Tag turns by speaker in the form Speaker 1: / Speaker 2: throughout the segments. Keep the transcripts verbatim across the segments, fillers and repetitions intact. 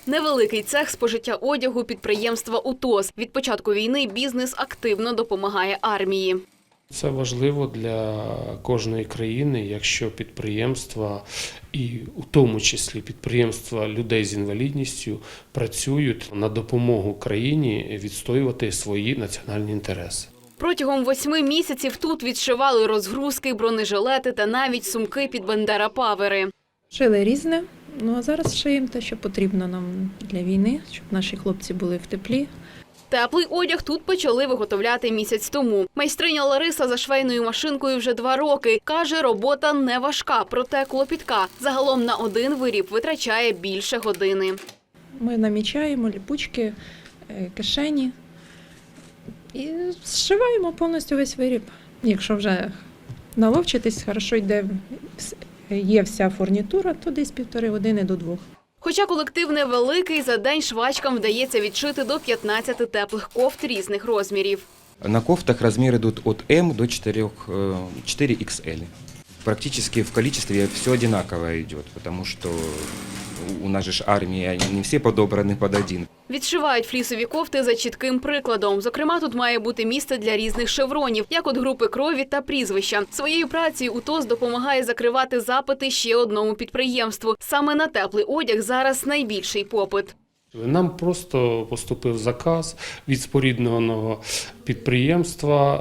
Speaker 1: Невеликий цех спожиття одягу підприємства УТОС. Від початку війни бізнес активно допомагає армії.
Speaker 2: Це важливо для кожної країни, якщо підприємства, і у тому числі підприємства людей з інвалідністю, працюють на допомогу країні відстоювати свої національні інтереси.
Speaker 1: Протягом восьми місяців тут відшивали розгрузки, бронежилети та навіть сумки під бандера-павери.
Speaker 3: Шили різне, ну а зараз шиємо те, що потрібно нам для війни, щоб наші хлопці були в теплі.
Speaker 1: Теплий одяг тут почали виготовляти місяць тому. Майстриня Лариса за швейною машинкою вже два роки. Каже, робота не важка, проте клопітка. Загалом на один виріб витрачає більше години.
Speaker 3: Ми намічаємо ліпучки, кишені і зшиваємо повністю весь виріб. Якщо вже наловчитись, хорошо йде, є вся фурнітура, то десь півтори години до двох.
Speaker 1: Хоча колектив невеликий, за день швачкам вдається відшити до п'ятнадцяти теплих кофт різних розмірів.
Speaker 4: На кофтах размеры идут от М до четыре икс эль. Практически в количестве все одинаково идет, потому что у нас же армия, не все подобраны под один.
Speaker 1: Відшивають флісові кофти за чітким прикладом. Зокрема, тут має бути місце для різних шевронів, як от групи крові та прізвища. Своєю працею УТОС допомагає закривати запити ще одному підприємству. Саме на теплий одяг зараз найбільший попит.
Speaker 2: Нам просто поступив заказ від спорідненого підприємства,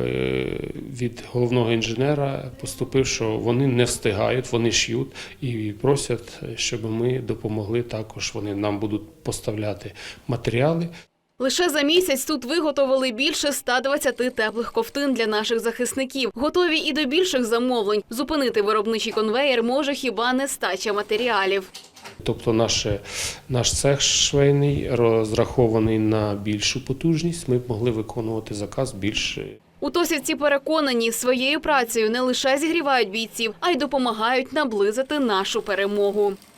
Speaker 2: від головного інженера поступив, що вони не встигають, вони шиють і просять, щоб ми допомогли також. Вони нам будуть поставляти матеріали.
Speaker 1: Лише за місяць тут виготовили більше ста двадцяти теплих ковтин для наших захисників. Готові і до більших замовлень. Зупинити виробничий конвеєр може хіба нестача матеріалів.
Speaker 2: Тобто наш, наш цех швейний розрахований на більшу потужність, ми б могли виконувати заказ більше.
Speaker 1: Утосівці переконані, своєю працею не лише зігрівають бійців, а й допомагають наблизити нашу перемогу.